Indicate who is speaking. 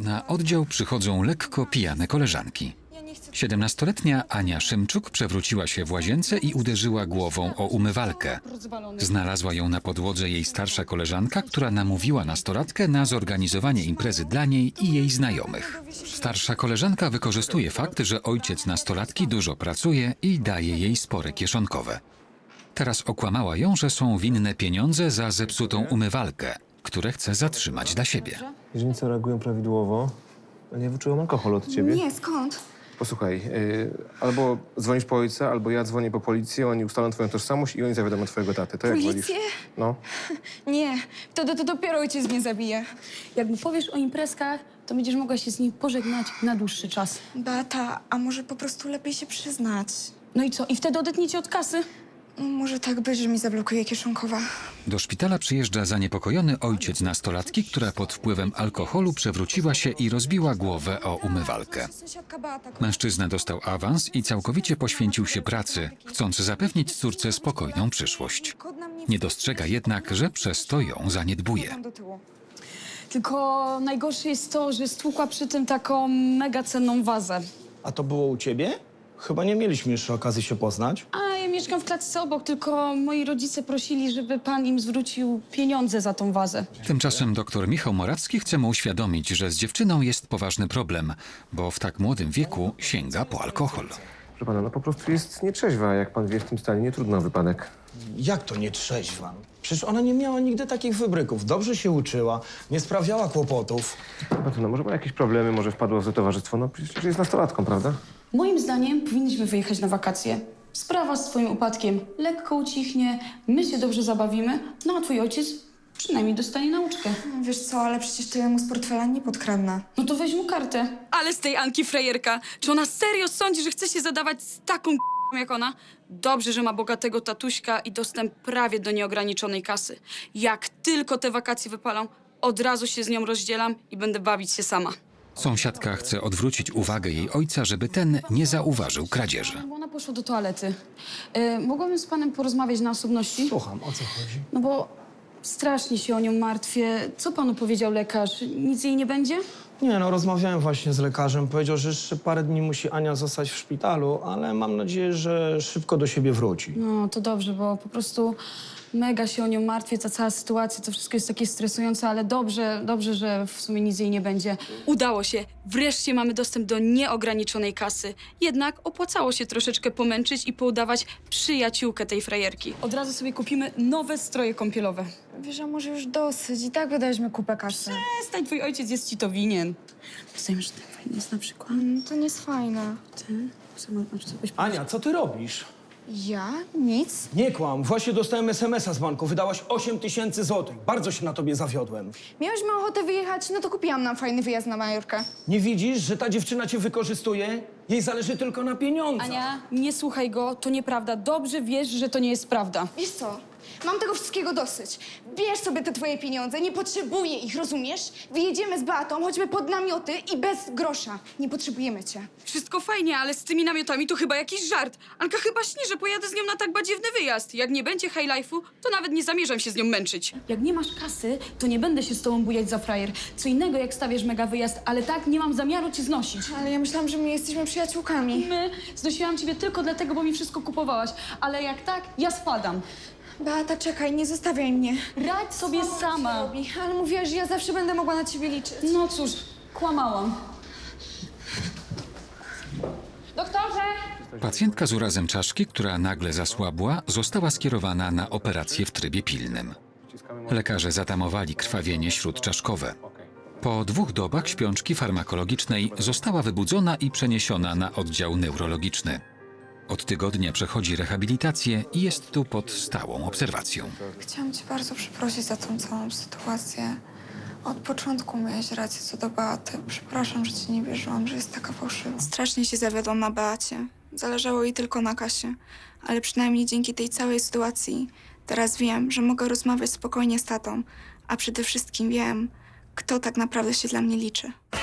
Speaker 1: Na oddział przychodzą lekko pijane koleżanki. 17-letnia Ania Szymczuk przewróciła się w łazience i uderzyła głową o umywalkę. Znalazła ją na podłodze jej starsza koleżanka, która namówiła nastolatkę na zorganizowanie imprezy dla niej i jej znajomych. Starsza koleżanka wykorzystuje fakt, że ojciec nastolatki dużo pracuje i daje jej spore kieszonkowe. Teraz okłamała ją, że są winne pieniądze za zepsutą umywalkę, które chce zatrzymać dla siebie.
Speaker 2: Źrenice reagują prawidłowo. Nie wyczułam alkoholu od ciebie.
Speaker 3: Nie, skąd?
Speaker 2: Posłuchaj, albo dzwonisz po ojca, albo ja dzwonię po policję, oni ustalą twoją tożsamość i oni zawiadomią twojego taty. To jak wolisz?
Speaker 3: Policję?
Speaker 2: No.
Speaker 3: Nie, to dopiero ojciec mnie zabije.
Speaker 4: Jak mu powiesz o imprezkach, to będziesz mogła się z nim pożegnać na dłuższy czas.
Speaker 3: Beata, a może po prostu lepiej się przyznać?
Speaker 4: No i co? I wtedy odetniecie od kasy?
Speaker 3: No, może tak być, że mi zablokuje kieszonkowa.
Speaker 1: Do szpitala przyjeżdża zaniepokojony ojciec nastolatki, która pod wpływem alkoholu przewróciła się i rozbiła głowę o umywalkę.
Speaker 3: Sąsiadka Beata.
Speaker 1: Mężczyzna dostał awans i całkowicie poświęcił się pracy, chcąc zapewnić córce spokojną przyszłość. Nie dostrzega jednak, że przez to ją zaniedbuje.
Speaker 3: Do tyłu.
Speaker 4: Tylko najgorsze jest to, że stłukła przy tym taką mega cenną wazę.
Speaker 5: A to było u ciebie? Chyba nie mieliśmy jeszcze okazji się poznać.
Speaker 4: A ja mieszkam w klatce obok, tylko moi rodzice prosili, żeby pan im zwrócił pieniądze za tą wazę.
Speaker 1: Tymczasem dr Michał Morawski chce mu uświadomić, że z dziewczyną jest poważny problem, bo w tak młodym wieku sięga po alkohol.
Speaker 2: Proszę pana, no po prostu jest nietrzeźwa. Jak pan wie, w tym stanie nie trudno o wypadek.
Speaker 5: Jak to nie trzeźwa? Przecież ona nie miała nigdy takich wybryków. Dobrze się uczyła, nie sprawiała kłopotów.
Speaker 2: No może ma jakieś problemy, może wpadła w złe towarzystwo. No przecież jest nastolatką, prawda?
Speaker 4: Moim zdaniem powinniśmy wyjechać na wakacje. Sprawa z twoim upadkiem lekko ucichnie, my się dobrze zabawimy, no a twój ojciec przynajmniej dostanie nauczkę.
Speaker 3: Wiesz co, ale przecież tyle mu z portfela nie podkradnę.
Speaker 4: No to weź mu kartę. Ale z tej Anki frajerka. Czy ona serio sądzi, że chce się zadawać z taką jak ona? Dobrze, że ma bogatego tatuśka i dostęp prawie do nieograniczonej kasy. Jak tylko te wakacje wypalą, od razu się z nią rozdzielam i będę bawić się sama.
Speaker 1: Sąsiadka chce odwrócić uwagę jej ojca, żeby ten nie zauważył kradzieży.
Speaker 4: Bo ona poszła do toalety. Mogłabym z panem porozmawiać na osobności?
Speaker 5: Słucham, o co chodzi?
Speaker 4: No bo strasznie się o nią martwię. Co panu powiedział lekarz? Nic jej nie będzie?
Speaker 5: Nie, no rozmawiałem właśnie z lekarzem. Powiedział, że jeszcze parę dni musi Ania zostać w szpitalu, ale mam nadzieję, że szybko do siebie wróci.
Speaker 4: No to dobrze, bo po prostu mega się o nią martwię, ta cała sytuacja, to wszystko jest takie stresujące, ale dobrze, że w sumie nic jej nie będzie. Udało się. Wreszcie mamy dostęp do nieograniczonej kasy. Jednak opłacało się troszeczkę pomęczyć i poudawać przyjaciółkę tej frajerki. Od razu sobie kupimy nowe stroje kąpielowe.
Speaker 3: Wiesz, a może już dosyć. I tak wydaliśmy kupę kasy.
Speaker 4: Przestań, twój ojciec jest ci to winien. Dostajemy, że ten fajny jest na przykład.
Speaker 3: To nie jest fajne.
Speaker 4: Ty? Masz coś
Speaker 5: Ania, co ty robisz?
Speaker 3: Ja? Nic?
Speaker 5: Nie kłam, właśnie dostałem SMS-a z banku. Wydałaś 8000 złotych. Bardzo się na tobie zawiodłem.
Speaker 3: Miałyśmy ochotę wyjechać, no to kupiłam nam fajny wyjazd na Majorkę.
Speaker 5: Nie widzisz, że ta dziewczyna cię wykorzystuje? Jej zależy tylko na pieniądzach.
Speaker 4: Ania, nie słuchaj go, to nieprawda. Dobrze wiesz, że to nie jest prawda.
Speaker 3: Wiesz co? Mam tego wszystkiego dosyć. Bierz sobie te twoje pieniądze, nie potrzebuję ich, rozumiesz? Wyjedziemy z Beatą, chodźmy pod namioty i bez grosza. Nie potrzebujemy cię.
Speaker 4: Wszystko fajnie, ale z tymi namiotami to chyba jakiś żart. Anka chyba śni, że pojadę z nią na tak badziewny wyjazd. Jak nie będzie high life'u, to nawet nie zamierzam się z nią męczyć. Jak nie masz kasy, to nie będę się z tobą bujać za frajer. Co innego, jak stawiasz mega wyjazd, ale tak nie mam zamiaru cię znosić.
Speaker 3: Ale ja myślałam, że my jesteśmy przyjaciółkami.
Speaker 4: Znosiłam ciebie tylko dlatego, bo mi wszystko kupowałaś. Ale jak tak, ja spadam.
Speaker 3: Beata, czekaj, nie zostawiaj mnie.
Speaker 4: Radź sobie sama.
Speaker 3: Robi, ale mówiłaś, że ja zawsze będę mogła na ciebie liczyć.
Speaker 4: No cóż, kłamałam.
Speaker 3: Doktorze!
Speaker 1: Pacjentka z urazem czaszki, która nagle zasłabła, została skierowana na operację w trybie pilnym. Lekarze zatamowali krwawienie śródczaszkowe. Po 2 dobach śpiączki farmakologicznej została wybudzona i przeniesiona na oddział neurologiczny. Od tygodnia przechodzi rehabilitację i jest tu pod stałą obserwacją.
Speaker 3: Chciałam cię bardzo przeprosić za tą całą sytuację. Od początku miałeś rację co do Beaty. Przepraszam, że ci nie wierzyłam, że jest taka fałszywa.
Speaker 6: Strasznie się zawiodłam na Beacie. Zależało jej tylko na Kasie. Ale przynajmniej dzięki tej całej sytuacji teraz wiem, że mogę rozmawiać spokojnie z tatą. A przede wszystkim wiem, kto tak naprawdę się dla mnie liczy.